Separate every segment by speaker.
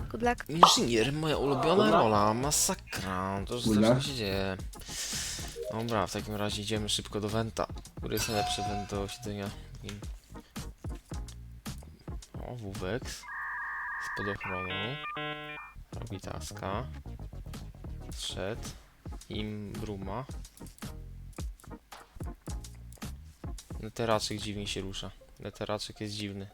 Speaker 1: Good luck.
Speaker 2: Inżynier, moja ulubiona rola, masakra, to co się dzieje. Dobra, w takim razie idziemy szybko do Wenta. Który jest najlepszy Went do siedzenia? O, Wuwex. Z podochronu. Robi taska. Zszedł. Im Bruma. Neteraczek dziwnie się rusza. Neteraczek jest dziwny.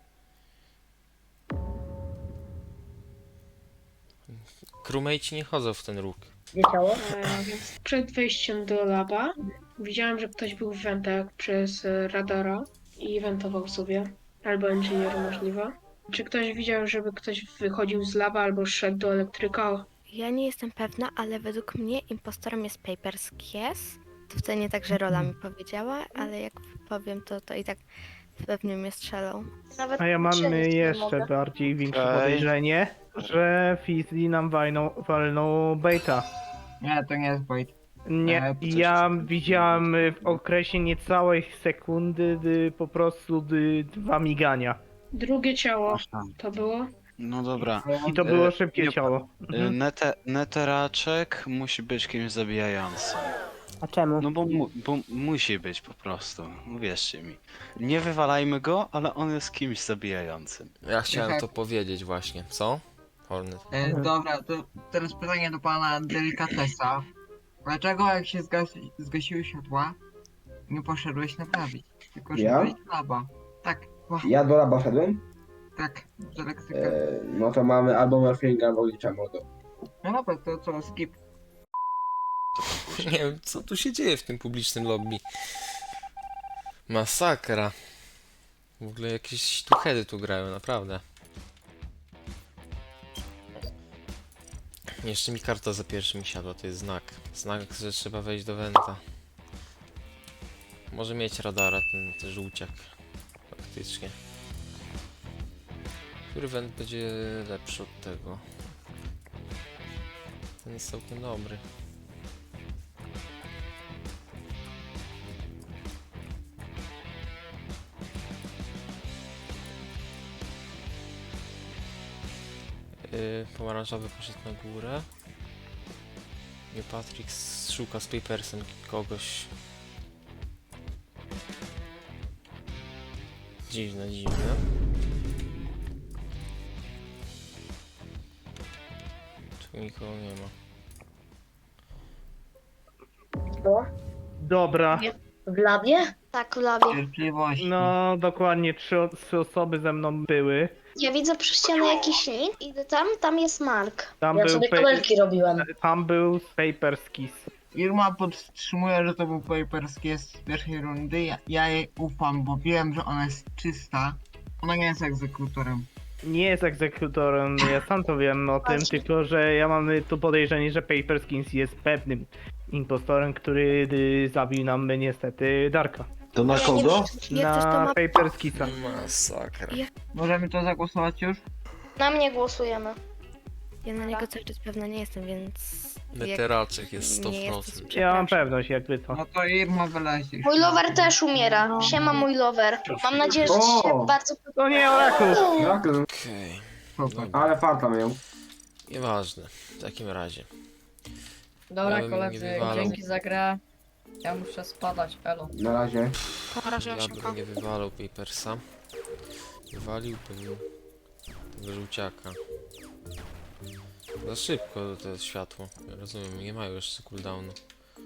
Speaker 2: Crewmate'ci nie chodzą w ten róg.
Speaker 3: Gdzie ciało?
Speaker 4: Przed wejściem do laba widziałem, że ktoś był w wentach przez radara i wentował sobie. Albo inżynier możliwe. Czy ktoś widział, żeby ktoś wychodził z laba albo szedł do elektryka?
Speaker 1: Ja nie jestem pewna, ale według mnie impostorem jest Papers Kies. To wcale nie tak, że Rola mi powiedziała, ale jak powiem, to i tak pewnie mnie strzelą.
Speaker 3: Nawet
Speaker 5: A ja mam
Speaker 3: strzelić nie
Speaker 5: jeszcze
Speaker 3: mogę.
Speaker 5: bardziej większe
Speaker 6: Okej.
Speaker 5: podejrzenie, że Fizzy nam walnął baita.
Speaker 7: Nie, to nie jest bait.
Speaker 5: Nie,
Speaker 7: coś-
Speaker 5: ja widziałem w okresie niecałej sekundy po prostu 2 migania.
Speaker 4: Drugie ciało
Speaker 6: Aha.
Speaker 4: to było?
Speaker 6: No dobra.
Speaker 5: I to było
Speaker 6: E,
Speaker 5: szybkie
Speaker 6: nie-
Speaker 5: ciało. Mhm.
Speaker 6: Neteraczek musi być kimś zabijającym.
Speaker 3: A czemu?
Speaker 6: No bo musi być po prostu. Uwierzcie mi. Nie wywalajmy go, ale on jest kimś zabijającym.
Speaker 2: Ja chciałem
Speaker 7: Aha.
Speaker 2: to powiedzieć właśnie. Co? Hornet.
Speaker 7: Dobra, to teraz pytanie do pana Delikatesa. Dlaczego jak się zgasiły światła, nie poszedłeś naprawić? Tylko
Speaker 8: Ja?
Speaker 7: szedłeś do laba. Tak, właśnie,
Speaker 8: Ja do laba szedłem?
Speaker 7: tak, z elektryka.
Speaker 8: No to mamy albo morfinga, albo licza mordo.
Speaker 7: No dobra, to co, skip.
Speaker 2: Nie wiem, co tu się dzieje w tym publicznym lobby. Masakra. W ogóle jakieś tuchedy tu grają, naprawdę. Jeszcze mi karta za pierwszym siadła, to jest znak. Znak, że trzeba wejść do Wenta. Może mieć radara ten żółciak. Faktycznie. Który Went będzie lepszy od tego? Ten jest całkiem dobry. Pomarańczowy poszedł na górę. I Patrick szuka z Papersem kogoś. Dziwne, dziwne. Tu nikogo nie ma.
Speaker 3: Było?
Speaker 5: Dobra,
Speaker 3: W labie? Tak, w labie.
Speaker 7: Cierpliwości.
Speaker 5: no dokładnie 3 osoby ze mną były.
Speaker 3: Ja widzę przy ścianie jakiś link, idę tam jest Mark.
Speaker 5: Tam
Speaker 3: Ja
Speaker 5: był
Speaker 3: sobie kabelki robiłem.
Speaker 5: Tam był Papers Kiss.
Speaker 7: Irma podtrzymuje, że to był Paperski z pierwszej rundy. Ja jej ufam, bo wiem, że ona jest czysta. Ona nie jest egzekutorem.
Speaker 5: Nie jest egzekutorem, ja sam to wiem o tym,
Speaker 3: Właśnie.
Speaker 5: tylko że ja mam tu podejrzenie, że Paperskins jest pewnym impostorem, który zabił nam niestety Darka.
Speaker 8: To na
Speaker 3: Ja nie
Speaker 8: kogo?
Speaker 3: wiem,
Speaker 1: Jak ktoś to
Speaker 5: Na
Speaker 1: ma...
Speaker 5: Paperskisa.
Speaker 2: Masakra.
Speaker 7: Możemy to zagłosować już?
Speaker 3: Na mnie głosujemy.
Speaker 1: Ja na niego cały czas pewna nie jestem, więc...
Speaker 2: Neteraczek jest
Speaker 1: nie
Speaker 2: 100%.
Speaker 1: jesteś,
Speaker 5: Ja mam
Speaker 1: przepraszam.
Speaker 5: pewność jakby to.
Speaker 7: No to Irma wylezie.
Speaker 3: Mój lover też umiera. Siema mój lover. Mam nadzieję, że ci się
Speaker 8: O!
Speaker 3: bardzo
Speaker 5: To nie Oracle!
Speaker 2: Okej.
Speaker 8: Ale farta miał.
Speaker 2: Nieważne. W takim razie.
Speaker 9: Dobra
Speaker 2: Ja bym nie
Speaker 9: koledzy,
Speaker 2: wywalał.
Speaker 9: dzięki za grę. Ja muszę spadać, elo.
Speaker 8: Na razie.
Speaker 2: Ja bym nie wywalał Papersa. Wywaliłbym tego żółciaka. Za szybko to jest światło. Ja rozumiem, nie mają jeszcze cooldownu.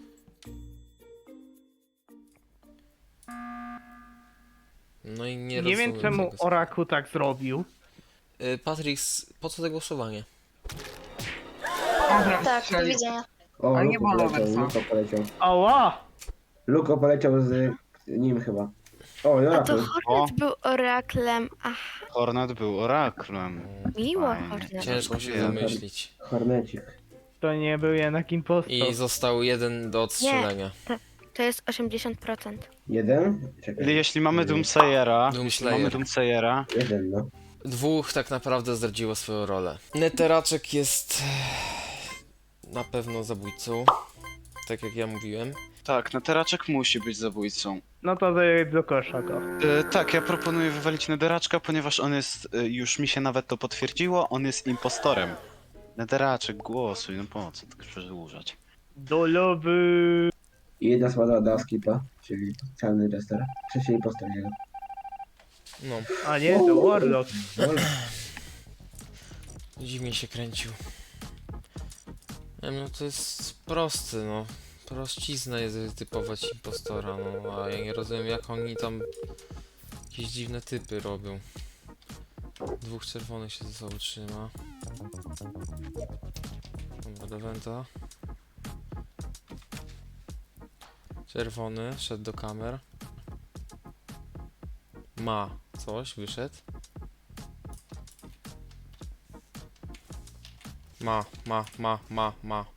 Speaker 2: No i nie
Speaker 5: Nie
Speaker 2: rozumiem
Speaker 5: wiem czemu
Speaker 2: tego.
Speaker 5: Oracle tak zrobił.
Speaker 2: Patrix, po co to głosowanie?
Speaker 7: Dobra,
Speaker 3: Tak, do
Speaker 7: strzelił.
Speaker 3: widzenia.
Speaker 8: O,
Speaker 7: Ale nie
Speaker 8: Luko
Speaker 7: było
Speaker 8: poleciał,
Speaker 7: Loversa.
Speaker 8: Luko poleciał.
Speaker 5: Ała!
Speaker 8: Luko poleciał z nim chyba. O,
Speaker 1: A to
Speaker 8: Jorakel.
Speaker 1: Hornet był oraklem. Ach,
Speaker 6: Hornet był oraklem.
Speaker 1: miło
Speaker 6: Fajnie.
Speaker 1: Hornet.
Speaker 2: Ciężko się
Speaker 6: Ja-
Speaker 2: zamyślić.
Speaker 8: Hornecik.
Speaker 5: To nie był jednak impostor.
Speaker 2: I został jeden do odstrzelenia.
Speaker 1: To jest 80%.
Speaker 8: Jeden? Czekaj.
Speaker 6: Jeśli mamy Doomsayera,
Speaker 2: Doomslayer.
Speaker 8: Jeden, no.
Speaker 2: Dwóch tak naprawdę zdradziło swoją rolę. Neteraczek jest na pewno zabójcą, tak jak ja mówiłem.
Speaker 6: Tak, neteraczek musi być zabójcą.
Speaker 5: No to do kosza go.
Speaker 6: Tak, ja proponuję wywalić neteraczka, ponieważ on jest, już mi się nawet to potwierdziło, on jest impostorem. Neteraczek, głosuj, no po co tak przedłużać?
Speaker 5: Do lewy.
Speaker 8: I jedna słaba dała skipa, czyli specjalny jester. Trzeci impostor jego.
Speaker 2: No,
Speaker 5: A nie, to Warlock.
Speaker 2: dziwnie się kręcił. Nie wiem, no to jest prosty, no. Prościzna jest wytypować impostora, no. A ja nie rozumiem, jak oni tam jakieś dziwne typy robią. Dwóch czerwonych się ze sobą trzyma. Dobra, do Wenta. Czerwony szedł do kamer. Ma coś, wyszedł. Ma.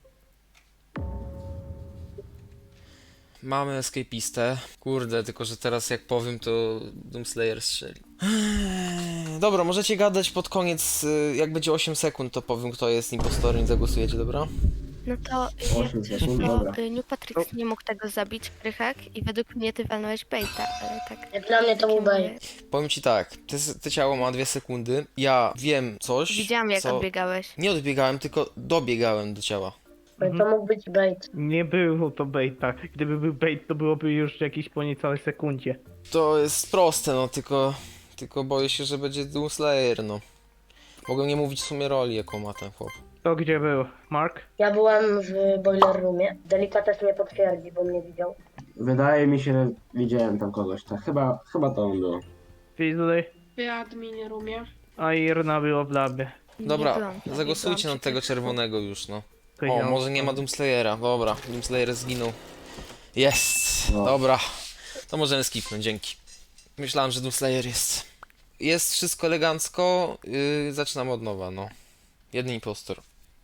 Speaker 2: Mamy escapistę. Kurde, tylko że teraz jak powiem, to Doomslayer strzeli. Dobra, możecie gadać pod koniec, jak będzie 8 sekund, to powiem, kto jest impostorem i zagłosujecie, dobra?
Speaker 1: No to
Speaker 8: 8
Speaker 1: jak
Speaker 8: sekund, dobra.
Speaker 1: New Patrick nie mógł tego zabić, Krychak, i według mnie ty walnąłeś baita, ale tak...
Speaker 3: Dla mnie to był bait.
Speaker 2: Powiem ci tak, te ciało ma 2 sekundy, ja wiem coś,
Speaker 1: Widziałam jak
Speaker 2: co...
Speaker 1: odbiegałeś.
Speaker 2: Nie odbiegałem, tylko dobiegałem do ciała.
Speaker 3: To mógł być bait.
Speaker 5: Nie było to baita. Gdyby był bait, to byłoby już jakieś po niecałej sekundzie.
Speaker 2: To jest proste, no, tylko boję się, że będzie Doomslayer, no. Mogę nie mówić w sumie roli, jaką ma ten chłop.
Speaker 5: To gdzie był? Mark?
Speaker 3: Ja byłem w boiler roomie. Delikates mnie potwierdzi, bo mnie widział.
Speaker 8: Wydaje mi się, że widziałem tam kogoś, tak. Chyba to on był.
Speaker 5: Fizzly?
Speaker 4: W admin roomie.
Speaker 5: A Irna było w labie.
Speaker 1: Nie
Speaker 2: Dobra,
Speaker 1: byłam,
Speaker 2: zagłosujcie
Speaker 1: byłam
Speaker 2: na tego
Speaker 1: przy
Speaker 2: czerwonego już, no.
Speaker 5: To
Speaker 2: O,
Speaker 5: ja.
Speaker 2: może nie ma Doomslayera, dobra, Doomslayer zginął. Jest,
Speaker 8: No.
Speaker 2: dobra. To możemy skipnąć, dzięki. Myślałem, że Doomslayer jest. Jest wszystko elegancko, zaczynamy od nowa, no. Jeden impostor.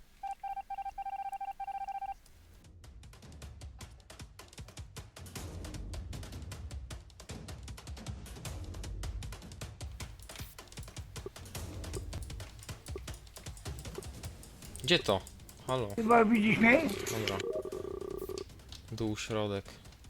Speaker 2: Gdzie to? Halo.
Speaker 10: Chyba widzisz mnie?
Speaker 2: Dobra. Dół, środek.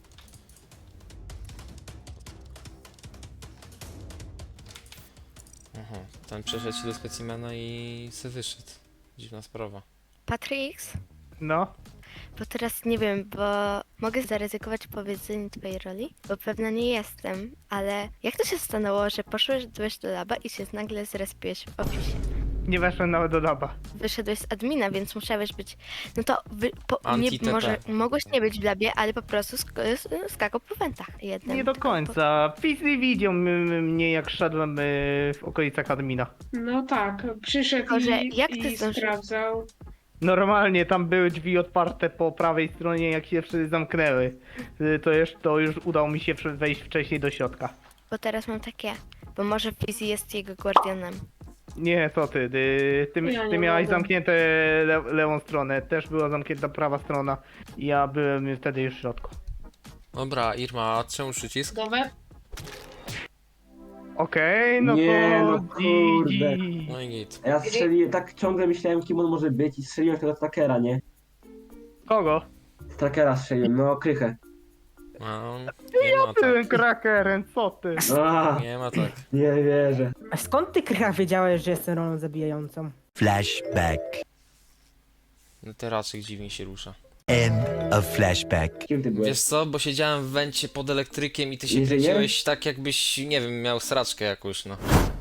Speaker 2: Aha, ten przeszedł się do specimena i se wyszedł. Dziwna sprawa.
Speaker 1: Patrix?
Speaker 5: No?
Speaker 1: Bo teraz nie wiem, bo mogę zaryzykować powiedzenie twojej roli, bo pewna nie jestem, ale jak to się stanęło, że poszłeś do laba i się nagle zrespiłeś w ofisie?
Speaker 5: Nie weszłem nawet do laba.
Speaker 1: Wyszedłeś z admina, więc musiałeś być, no to nie,
Speaker 2: Anti-TT.
Speaker 1: może mogłeś nie być w labie, ale po prostu skakał po wentach jednym.
Speaker 5: Nie do
Speaker 1: tylko
Speaker 5: końca. Fizzly widział mnie jak szedłem w okolicach admina.
Speaker 4: No tak, przyszedł
Speaker 1: Tylko, że
Speaker 4: i,
Speaker 1: jak ty
Speaker 4: i
Speaker 1: zdążyłeś?
Speaker 4: sprawdzał.
Speaker 5: Normalnie tam były drzwi otwarte po prawej stronie, jak się wszyscy zamknęły. To już udało mi się wejść wcześniej do środka.
Speaker 1: Bo teraz mam takie, bo może Fizzy jest jego guardianem.
Speaker 5: Nie, co ty,
Speaker 4: Ja
Speaker 5: ty
Speaker 4: nie
Speaker 5: miałeś
Speaker 4: mogę.
Speaker 5: zamknięte lewą stronę, też była zamknięta prawa strona. Ja byłem wtedy już w środku.
Speaker 2: Dobra, Irma, czemu przycisk?
Speaker 4: Gotowe?
Speaker 5: Okej, no
Speaker 8: Nie,
Speaker 5: to
Speaker 8: no kurde.
Speaker 5: GG.
Speaker 2: No i git.
Speaker 8: Ja strzeliłem, tak ciągle myślałem, kim on może być i strzeliłem tego trackera, nie?
Speaker 5: Kogo?
Speaker 8: Z trackera strzeliłem, no krychę.
Speaker 2: No, nie ma
Speaker 5: Byłem
Speaker 2: tak.
Speaker 5: krakerem, co ty?
Speaker 8: A,
Speaker 2: Nie ma tak.
Speaker 8: nie wierzę.
Speaker 10: A skąd ty, Krycha, wiedziałeś, że jestem rolą zabijającą?
Speaker 11: Flashback.
Speaker 2: Neteraczek dziwnie się rusza.
Speaker 11: End of flashback.
Speaker 8: Kim ty byłeś?
Speaker 2: Wiesz co, bo siedziałem w wencie pod elektrykiem i ty się
Speaker 8: Nie żyje?
Speaker 2: kręciłeś tak jakbyś, nie wiem, miał sraczkę jakąś, no.